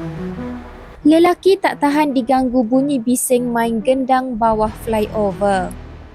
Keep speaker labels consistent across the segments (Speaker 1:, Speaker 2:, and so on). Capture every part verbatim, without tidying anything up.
Speaker 1: Lelaki tak tahan diganggu bunyi bising main gendang bawah flyover.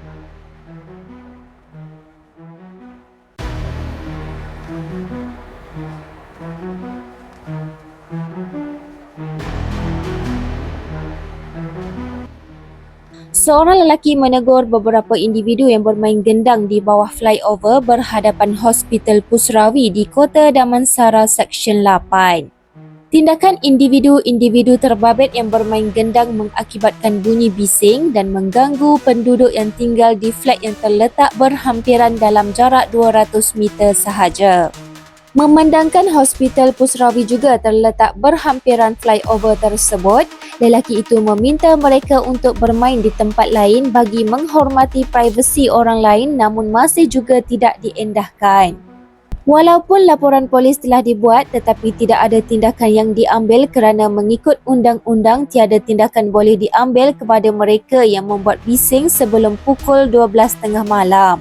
Speaker 1: Seorang lelaki menegur beberapa individu yang bermain gendang di bawah flyover berhadapan Hospital Pusrawi di Kota Damansara Seksyen lapan. Tindakan individu-individu terbabit yang bermain gendang mengakibatkan bunyi bising dan mengganggu penduduk yang tinggal di flat yang terletak berhampiran dalam jarak dua ratus meter sahaja. Memandangkan Hospital Pusrawi juga terletak berhampiran flyover tersebut, lelaki itu meminta mereka untuk bermain di tempat lain bagi menghormati privasi orang lain, namun masih juga tidak diendahkan. Walaupun laporan polis telah dibuat, tetapi tidak ada tindakan yang diambil kerana mengikut undang-undang tiada tindakan boleh diambil kepada mereka yang membuat bising sebelum pukul dua belas tiga puluh malam.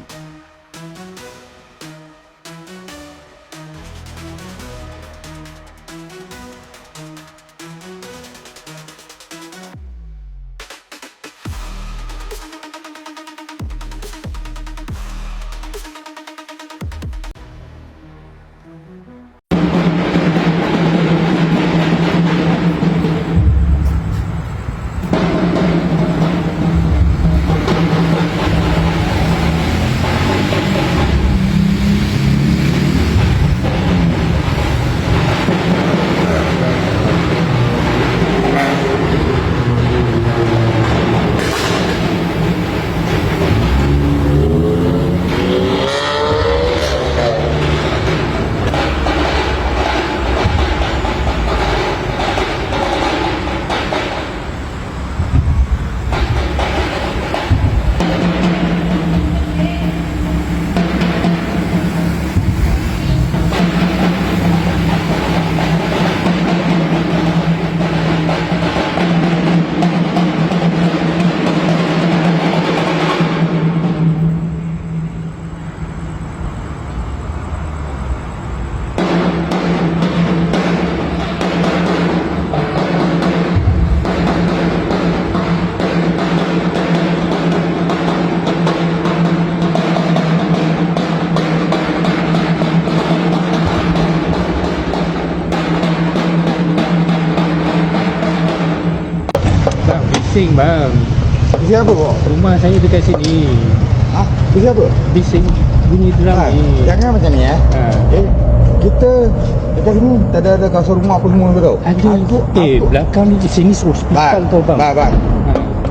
Speaker 2: Bising bang.
Speaker 3: Bising apa kok?
Speaker 2: Rumah saya dekat sini.
Speaker 3: Ah, bising apa?
Speaker 2: Bising bunyi drum
Speaker 3: Ha,
Speaker 2: ni.
Speaker 3: jangan macam ni eh.
Speaker 2: Ha.
Speaker 3: Eh, kita dekat sini tak ada ada kasut rumah apa semua ke tau?
Speaker 2: Ada.
Speaker 3: Aku,
Speaker 2: Eh,
Speaker 3: aku.
Speaker 2: belakang ni sini hospital tau bang.
Speaker 3: Bang, bang.
Speaker 2: Ha.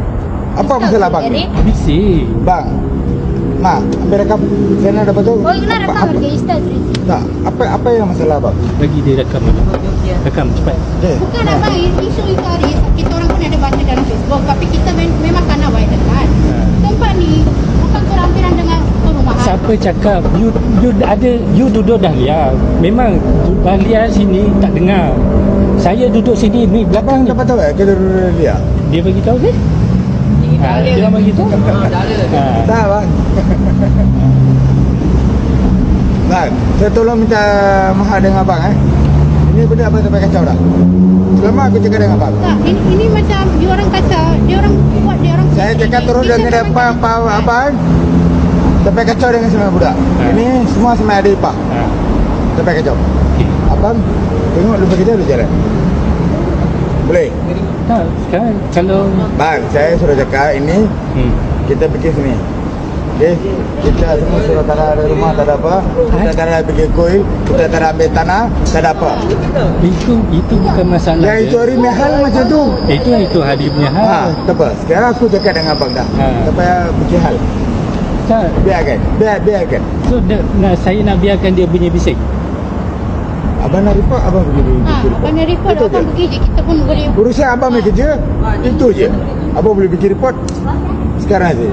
Speaker 3: Apa masalah bang ni?
Speaker 2: Bising.
Speaker 3: Bang. Ma, ambil rekam. Sana ada betul.
Speaker 4: Oh, kena rekam
Speaker 3: apa,
Speaker 4: harga Insta tu.
Speaker 3: tak, apa apa yang masalah bang?
Speaker 2: Bagi dia rekam dulu. Rekam cepat.
Speaker 3: Eh,
Speaker 4: Bukan abang, isu itu hari kita orang pun ada baca dalam Facebook, tapi kita men- memang kena buat dekat.
Speaker 2: Ha.
Speaker 4: Tempat ni bukan berhampiran dengan perumahan.
Speaker 2: Siapa cakap you you ada you duduk dahlia. Memang dahlia sini tak dengar. Saya duduk sini ni belakang
Speaker 3: abang
Speaker 2: ni.
Speaker 3: dapat tahu eh kita dia?
Speaker 2: Dia bagi tahu ke? Ha, dia bagi tahu. Ha.
Speaker 3: Tak bang. Bang, saya tolong minta mahal dengan abang eh. Ini benda abang sampai kacau dah. Selama aku cakap dengan abang.
Speaker 4: Tak, ini, ini macam dia orang kata, dia orang buat dia orang.
Speaker 3: Saya cakap terus
Speaker 4: Kita
Speaker 3: dengan
Speaker 4: memang
Speaker 3: depan
Speaker 4: tak-
Speaker 3: apa abang. Sampai kacau dengan semua budak.
Speaker 2: Ha.
Speaker 3: Ini semua sama ada ipah.
Speaker 2: Ha.
Speaker 3: Sampai kacau.
Speaker 2: Okey.
Speaker 3: Abang tengok lupa kita dulu jalan. Boleh?
Speaker 2: Tak, sekarang kalau
Speaker 3: Bang, saya sudah cakap ini
Speaker 2: hmm.
Speaker 3: kita pergi sini. Okey, kita semua sudah tak ada rumah, tak ada apa. Kita tak ada pergi kuil, kita tak ada ambil tanah, tak ada apa.
Speaker 2: Itu itu bukan masalah.
Speaker 3: Yang
Speaker 2: je.
Speaker 3: itu hari mahal macam tu.
Speaker 2: Itu itu hari punya hal.
Speaker 3: Ha, tak apa. Sekarang aku cakap dengan abang dah.
Speaker 2: Ha.
Speaker 3: Tak payah pergi hal.
Speaker 2: Tak.
Speaker 3: Biarkan, biar, biarkan.
Speaker 2: So de, nah, saya nak biarkan dia bunyi bising.
Speaker 3: Abang nak report, abang pergi pergi
Speaker 4: Ha,
Speaker 3: report.
Speaker 4: abang nak report,
Speaker 3: Itu
Speaker 4: abang
Speaker 3: je.
Speaker 4: pergi je, kita pun boleh.
Speaker 3: Urusan abang punya kerja, itu je. Abang boleh pergi report sekarang saja.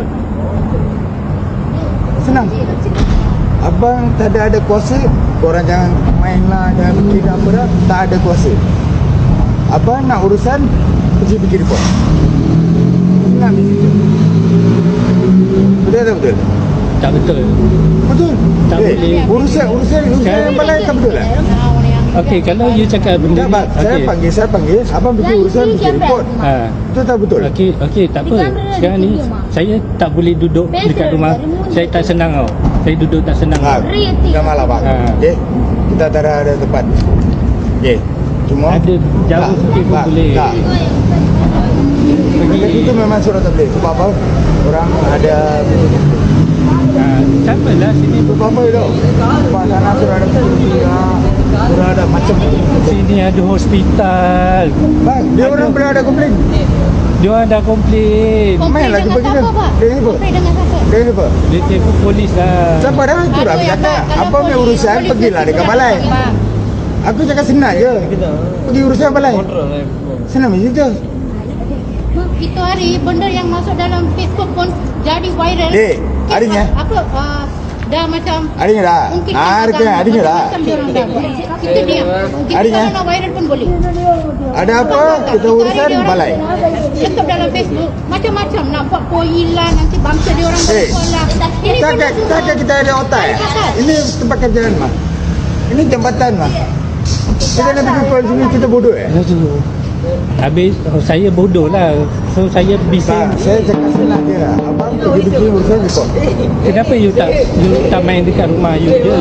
Speaker 3: Senang. Abang tak ada ada kuasa. Korang jangan main lah, jangan fikir apa dah. Tak ada kuasa. Abang nak urusan, pergi pergi report. Senang di situ. Betul tak betul?
Speaker 2: Tak betul.
Speaker 3: Betul.
Speaker 2: Tak
Speaker 3: eh,
Speaker 2: boleh.
Speaker 3: Urusan urusan urusan yang balai tak betul lah.
Speaker 4: Nah, orang yang
Speaker 2: Okey, kalau you cakap benda
Speaker 3: Tak,
Speaker 2: ni,
Speaker 3: bang. Saya
Speaker 2: okey.
Speaker 3: panggil, saya panggil. Abang bikin urusan, bikin report.
Speaker 2: Ha.
Speaker 3: Itu tak betul.
Speaker 2: Okey, okey, tak apa. Sekarang ni saya tak boleh duduk dekat rumah. Saya tak senang tau. Saya duduk tak senang.
Speaker 3: Bang, jangan malah bang.
Speaker 2: Ha.
Speaker 3: Okey. Kita tak ada, ada tempat. Okey. Cuma
Speaker 2: Ada jauh
Speaker 3: tak,
Speaker 2: sikit pun
Speaker 3: tak,
Speaker 2: boleh.
Speaker 3: Tak. Dekat
Speaker 2: Pergi.
Speaker 3: itu memang surat tak boleh. Sebab apa? Orang ada
Speaker 2: Ha, sama lah sini.
Speaker 3: Sebab apa itu? Sebab sana surat ada kuliah, surat ada macam.
Speaker 2: Sini ada hospital.
Speaker 3: Bang, dia orang pernah ada komplain.
Speaker 2: Dia orang dah komplain.
Speaker 4: Komplain
Speaker 3: Main lah
Speaker 4: dengan
Speaker 3: kita
Speaker 4: siapa,
Speaker 3: kita.
Speaker 4: Pak?
Speaker 3: Dia apa?
Speaker 4: Komplain dengan siapa?
Speaker 3: Dia apa?
Speaker 2: Dia telefon polis lah.
Speaker 3: Siapa dah itu dah
Speaker 4: Aduh,
Speaker 3: aku
Speaker 4: ya,
Speaker 3: cakap.
Speaker 4: Pak, kalau
Speaker 3: Apa punya
Speaker 4: polis-
Speaker 3: urusan
Speaker 4: polis
Speaker 3: pergilah
Speaker 4: tu
Speaker 3: dekat
Speaker 4: sudah
Speaker 3: balai.
Speaker 4: panggil, Pak.
Speaker 3: Aku cakap senang je. Pergi urusan balai. Senang macam itu.
Speaker 4: Itu hari benda yang masuk dalam Facebook pun jadi viral.
Speaker 3: Dek, harinya?
Speaker 4: Apa uh, dah macam
Speaker 3: Harinya dah.
Speaker 4: mungkin
Speaker 3: Ah, harinya, harinya dah.
Speaker 4: macam diorang dah buat. Kita diam. Kita
Speaker 3: Harinya?
Speaker 4: kalau nak viral pun boleh.
Speaker 3: Ada apa? Kita
Speaker 4: Itu hari
Speaker 3: urusan
Speaker 4: diorang
Speaker 3: balai.
Speaker 4: Letak dalam Facebook macam-macam nak buat poilan nanti bangsa dia orang
Speaker 3: Eh,
Speaker 4: bersekolah. Ini benda
Speaker 3: Takkan,
Speaker 4: semua.
Speaker 3: takkan kita ada otak ya? Ini tempat kerjaan mah. Ini jambatan mah. Kita nak pergi ke sini kita bodoh ya?
Speaker 2: Aduh. Habis oh, saya bodoh lah. So saya bising.
Speaker 3: Tak, saya cakap senang je. Abang pergi bikin urusan report.
Speaker 2: Kenapa you tak you tak main dekat rumah you je?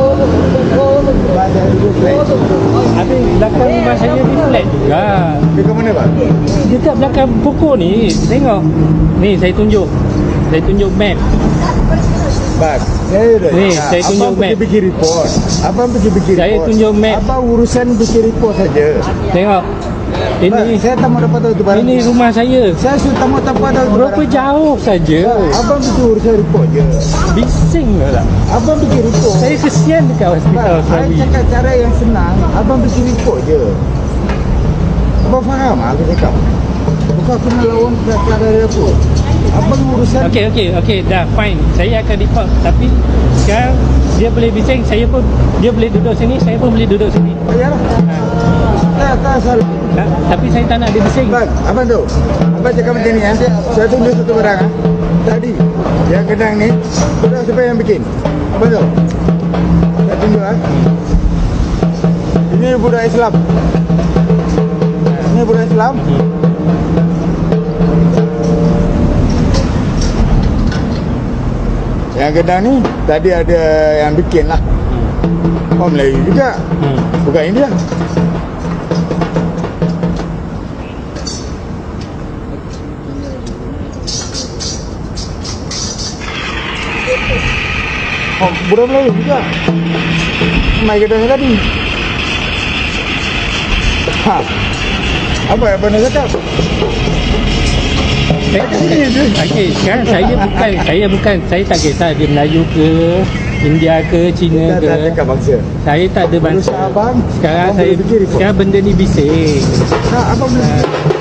Speaker 3: Baca dulu flat.
Speaker 2: Habis belakang rumah saya ni flat juga.
Speaker 3: Dia ke mana bang?
Speaker 2: Dekat belakang pokok ni. Tengok. Ni saya tunjuk. Saya tunjuk map.
Speaker 3: Bang, saya dah
Speaker 2: Ni,
Speaker 3: cakap,
Speaker 2: saya tunjuk
Speaker 3: abang pergi
Speaker 2: map.
Speaker 3: bikin report. Abang pergi bikin
Speaker 2: Saya
Speaker 3: report.
Speaker 2: tunjuk map.
Speaker 3: Abang urusan bikin report saja.
Speaker 2: Tengok.
Speaker 3: Bang,
Speaker 2: Ini
Speaker 3: saya tak mau dapat tahu tu barang.
Speaker 2: ini rumah saya.
Speaker 3: Saya sudah tak mau dapat tahu tu
Speaker 2: Berapa
Speaker 3: barang.
Speaker 2: jauh saja.
Speaker 3: Abang bikin urusan report je.
Speaker 2: Bising lah.
Speaker 3: Abang bikin report.
Speaker 2: Saya kesian dekat hospital
Speaker 3: Bang, saya
Speaker 2: Serabi.
Speaker 3: cakap cara yang senang. Abang bikin report je. Abang faham aku cakap. Bukan aku nak lawan kelakar dari aku. Abang urusan.
Speaker 2: Okey okey okey dah fine. Saya akan report tapi sekarang dia boleh bising, saya pun dia boleh duduk sini, saya pun boleh duduk sini.
Speaker 3: Yalah. Tak, tak salah.
Speaker 2: Ha, tapi saya tak nak dia bising.
Speaker 3: Bang, abang tu. Abang cakap macam ni ya. Saya tunjuk satu barang ah. Tadi yang kedang ni, budak siapa yang bikin? Abang tu. Saya tunjuk ah. Ini budak Islam. Ini budak Islam. Yang kedang ni tadi ada yang bikin lah. Oh Melayu juga.
Speaker 2: Hmm.
Speaker 3: Bukan India. Oh, budak Melayu juga. Mai kedai tadi. Ha. Apa yang pernah cakap?
Speaker 2: Saya okey, sekarang saya bukan saya bukan saya tak kisah dia Melayu ke India ke Cina
Speaker 3: Kita tak
Speaker 2: ke.
Speaker 3: cakap bangsa.
Speaker 2: Saya tak ada
Speaker 3: Urusan
Speaker 2: bangsa.
Speaker 3: abang.
Speaker 2: Sekarang
Speaker 3: abang
Speaker 2: saya
Speaker 3: boleh fikir report.
Speaker 2: sekarang benda ni bising.
Speaker 3: Nah, abang boleh.